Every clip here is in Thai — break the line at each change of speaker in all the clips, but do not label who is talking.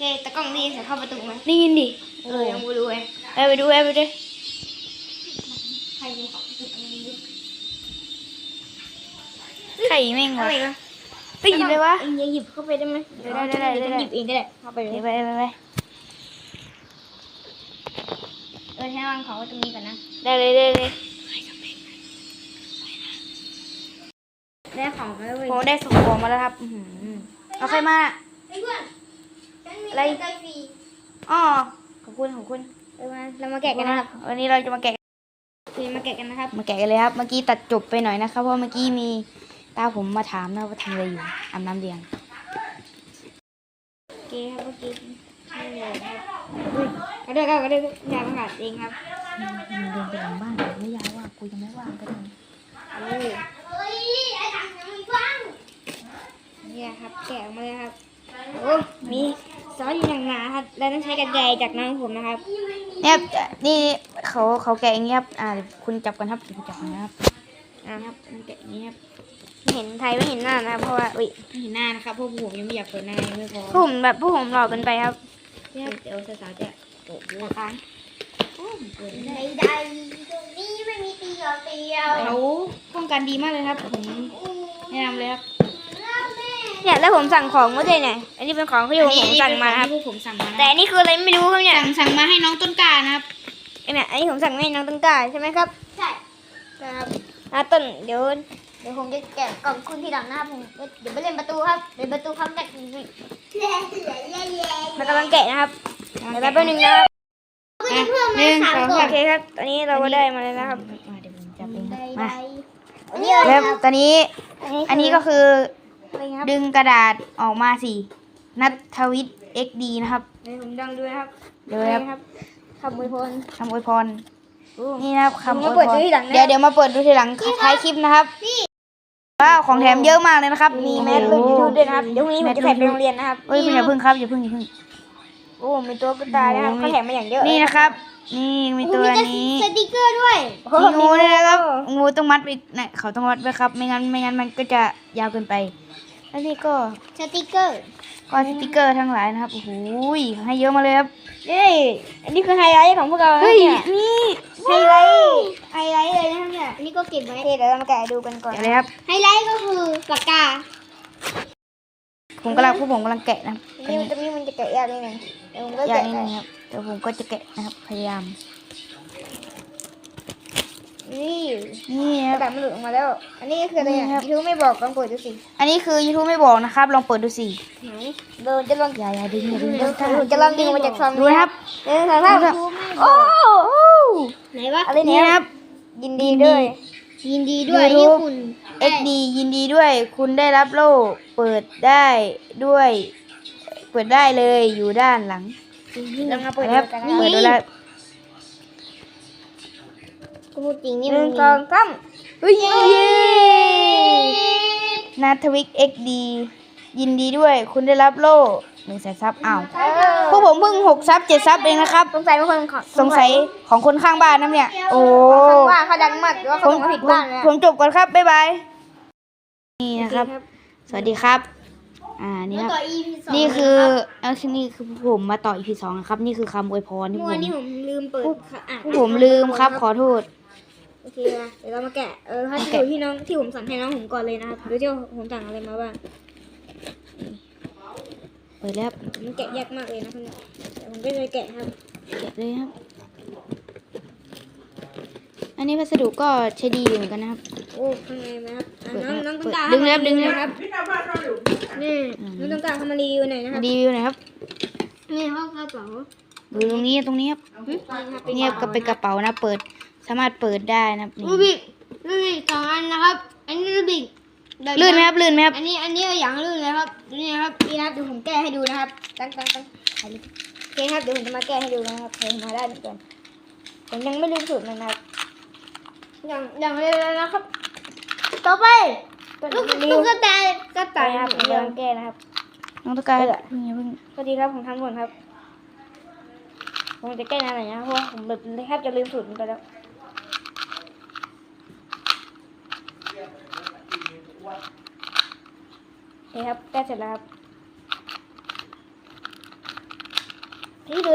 เคตะกล้องนี่จะเข้าประตูไหม
ได้ยินดิ
ยังไม่รู้เลย
ไปดู
ใครมีของติดตรงนี้
ไข่แม่ง
อะ
วะ
ไรวะ
ได้ยินเลยวะ
เอ็งหยิบเข้าไปได้ไหมได้หยิบเองก็ได้เข้าไปเลย
ไป
ให้วางของไว้ตรงนี้ก่อนนะ
ได้เลย
ได้ของมาแล้วเว้ย
โอ้ได้ส่งของมาแล้วครับเอาใครมา
เพื่อนอะไรไก่ฟรี
อ๋อขอบคุณ
เรามาแกะกันนะครับ
วันนี้เราจะมาแกะ
มาแกะกันนะครับ
กันเลยครับเมื่อกี้ตัดจบไปหน่อยนะครับเพราะเมื่อกี้มีตาผมมาถามนะว่าทำอะไรอยู่อาบน้ำเลี้ยง
โอเคครับเมื่อกี้ไม่เลยครับกระเด้อยาประกาศเองครับ
เดินไปหลังบ้านไม่ยาวว่ากูยังไม่ว่างก็ได้
เนี่ยครับแกะออกมาเลยครับโอ้มีซอสอยู่หนาๆครับแล้วต้องใช้กระไดจากน้องผมนะครับ
เนี่ยนี่เขาแกะอย่างเงี้ยครับเดี๋ยวคุณจับกันครับคุณจับกันนะครับ
ครับมันแกะอย่างนี้ครับไม่เห็นไทยไม่เห็นหน้านะครับเพราะว่าอุ้ยไม่เห็นหน้านะครับเพราะผมยังไม่อยากเปิดหน้ายังไม่พอ
ผมแบบผู้ผมหล่อเกินไปครับ
เดี๋ยวสาวๆจะโกรธด้วยกัน
ใดๆตรงนี้ไม่มีเตียว
เขาป้องกันดีมากเลยครับผมแนะนำเลยครับ
เนี่ยแล้วผมสั่งของมาด้วยเนี่ยอันนี้เป็นของที่ผมสั่งมาครับ
ที่ผมสั่งมานะ
แต่อันนี้คืออะไรไม่รู้ครับเนี่ย
สั่งมาให้น้องต้นกล้านะครับ
เนี่ยอันนี้ผมสั่งให้น้องต้นกล้าใช่ไหมครับ
ใช่
ครับ
ต้นเดี๋ยว
ผมจะแกะกล่องคุณทีหลังนะครับผมเดี๋ยวไปเล่นประตูครับเล่นประตูครับแกะเล่
มันกำลังแกะนะครับเดี๋ยวแป๊บนึงนะครับ
หนึ่งสอง
โอ
สาม
เคครับตอนนี้เราก็ได้มาแล้วนะครับ
เดี๋ยวผมจับเอง
ใด
มา
ๆอันนี้อะไร
แล้ว
ครับ
ตอนนี้อันนี้ก็คือ
อะไรครับ
ดึงกระดาษออกมาสินัทวิทย์ XD นะครับ
เดี๋ยวผมดังดูนะครับ
เดี๋ยวครับ
คำอวยพร
คำอวยพรนี่นะครับคำอวย
มาเปิด
พร
ดูทีหลังนะ
เดี๋ยวมาเปิดดูทีหลังท้ายคลิปนะครับว้าวของแถมเยอะมากเลยนะครับ
มีแมสรุ่นยูทูบด้วยนะครับเดี๋ยวพรุ่งนี้ผมจะแท็กไปโรงเรียนนะครับ
เฮ้ยคุณอย่าพึ่งครับอย่าพึ่ง
โอ้มีตัวกุตายนะครับเขาแถมมาอย่างเยอะ
นี่นะครับ นี่มีตัวนี้
สติกเกอร์ด้วย
มีงูด้วยนะครับงูต้องมัดไปเนี่ยเขาต้องมัดไว้ครับไม่งั้นมันก็จะยาวเกินไปแล้วนี่ก็
สติกเกอร์
สติกเกอร์ทั้งหลายนะครับโอ้โหให้เยอะมาเลยครับ
นี่อันนี้คือไฮไลท์ของพวกเรานะ
เฮ้ย
เนี่ย
นี่
ไฮไลท์เลยนะครับเนี่ย
อันนี้ก็เก็บไว้
โอเคเดี๋ยวเรามาแกะดูกันก่อน
เดี๋ยวเลยครับ
ไฮไลท์ก็คือปากกา
ผมกำลังแกะนะครับ
นี่มันจะแกะยากนิดนึงเดี๋ยวผมก็
อย่า
แกะ
งนี้
ได้
นะครับเดี๋ยวผมก็จะแกะนะครับพยายาม
นี่
นี่
ก
ค
ระ
รับ
ดาษมันหลุดออกมาแล้ว อันนี้คืออะไร
นี่
อ่ะ
ครับ
ยูทูบไม่บอกลองเปิดดูสิ
อันนี้คือ YouTube ไม่บอกนะครับ ลองเปิดดูสิ
ไหนเดินจะลอง
อย่าดึงอย่าดึง
ผมจะลองดึงมาจากซอง
ดูนะครับ
หนึ่งสองสาม
โอ้โห
ไหนวะ
อะไร
นี่
เนี่ย
นะครับ
ยินดีด้วย
ยินดีด้วย
YouTube
ที่คุณ
XD ยินดีด้วย คุณได้รับโล่เปิดได้ด้วย เปิดได้เลยอยู่ด้านหลัง
ลองมาเปิด
ค
ดู
รับ
กันนะ
เปิดดูแล้ว
ก็พูดจริงนี่
ห
มั
นึ่
น
ง
มี
สองสาม
เฮ้ยนาทวิก XD ยินดีด้วย คุณได้รับโล่100,000 ซับอ้าวพวกผมเพิ่ง6 ซับ 7 ซับเองนะครับ
สงสัยเป็นคนขอ
สงสัยของคนข้างบ้านนะเนี่ย โอ้
ว่าเขาดังมากหรือว่า
ผ
เขา
ม
ส่งมาผิดบ้านเลย
ผมจบก่อนครับ บ๊ายบาย นี่นะครับ สวัสดีครับ นี่ครับ
ต่อ EP 2
นี่คือนี่คือผมมาต่อ EP 2นะครับ นี่คือคำอวยพรที่ผ
เมื่อ
ม
นี่ผมลืมเปิดอ่าน
ผมลืมครับ ขอโทษ
โอเคนะเดี๋ยวเรามาแกะถ้าจะดูที่น้องที่ผมสั่งให้น้องผมก่อนเลยนะครับดูที่ผมสั่งอะไรมาบ้าง
เปิดแล้วครับ
มันแกะยากมากเลยนะคุณเดี๋ยวผมก็จะแกะครับ
เก็บเลยครับ อันนี้พัสดุก็ใช้ดีอยู่เหมือนกันนะครับ
โอ้ข้างในนะครับ
เปิด
น้อง
เปิ
ต้
ด
งการ
ดึงเลยครับดึงเลย
ครับนี่น้องต้องการเข้ามารีวิวหน่อยนะครับ
รีวิวหน่อยครับ
นี่เขากระเป๋า
ดูตรงนี้ครับ
นี่ครับ
เงียบก็เป็นกระเป๋านะ เปิด สามารถเปิดได้นะครับนี่
รูบิก2 อันนะครับ อันนี้รูบิก
ลื่นไหมครับ ลื่นไหมครับ
อันนี้อย่างลื่นเลยครับนี่นะครับ
นี่นะครับเดี๋ยวผมแก้ให้ดูนะครับตั้งถ่ายรูปโอเคครับเดี๋ยวผมจะมาแก้ให้ดูนะครับผมมาได้เหมือนกันผมยังไม่ลืมสูตรมันนะครับอย่างเร็วเลยนะครับ
ต่อไป
ลูก
ลูกกระต่าย
ก็ตายครับผมกำลังแก้นะครับ
น้องตะการอย่าเพิ่ง
สวัสดีครับผมทำก่อนครับผมจะแก้นานหน่อยนะเพราะว่าผมแบบแทบจะลืมสูตรมันไปแล้วโอเคครับแก้เสร็จแล้วครับ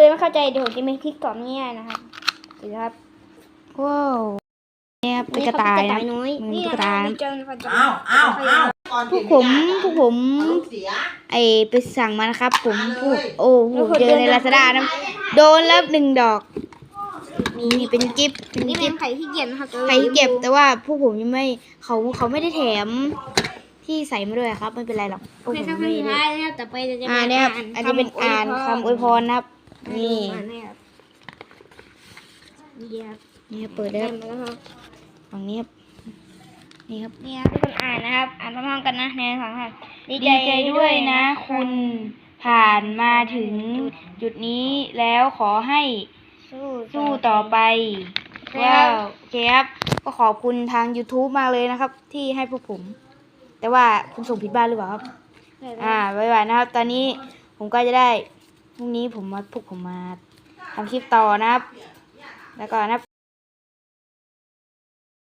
เลยไม่เข้าใจเดี๋ยวผมจะมีคลิกตอบง่ายๆนะครับเดี๋ยวครับ
ว้าวเนี่ยครับเป็นกระต่ายนะ
น้อย
มัน
นี่
ตุ๊ก
นะ
ตา
นี่
นะ
เจอกันจะ
ก่อน
พวกผม
เสีย
ไปสั่งมานะครับ ผมเจอในลาซาด้านะโดนแล้ว1 ดอกนี่เป็นกิฟต์เป็น
นี่
กิ
เป็
ฟ
น
ต์
ไข่ที่เกียจนะครับ
ใครเก็บแต่ว่าพวกผมยังไม่เขาไม่ได้แถมที่ใส่มาด้วยครับ ไม่เป็นไรหรอกพวก
โอเค
ผม
ครับ
ไม่
สุด
ได้
ท้ายนะครับต่อไปจะ
เนี่ยครับอันนี้เป็นอ่านคำอวยพรนะครับ นี่
นี่ครับนี่ครับ
นี่ครับเปิดได้ครับ
มาแล้วครับ
ฝั่งนี้ครับนี่ครับ
นี่ครับทุกคนอ่านนะครับ อ่านพร้อมๆกันนะในสองครับ
ดีใจด้วยนะ คุณผ่านมาถึงจุดนี้แล้วขอให้สู้ต่อไปว้าวโอเคครับก็ขอบคุณทาง YouTube มากเลยนะครับ ที่ให้พวกผม แต่ว่าคุณส่งผิดบ้านหรือเปล่าครับ บ๊ายบายนะครับ ตอนนี้ผมก็จะได้พรุ่งนี้พวกผมมาทำคลิปต่อนะครับ แล้วก็นะครับ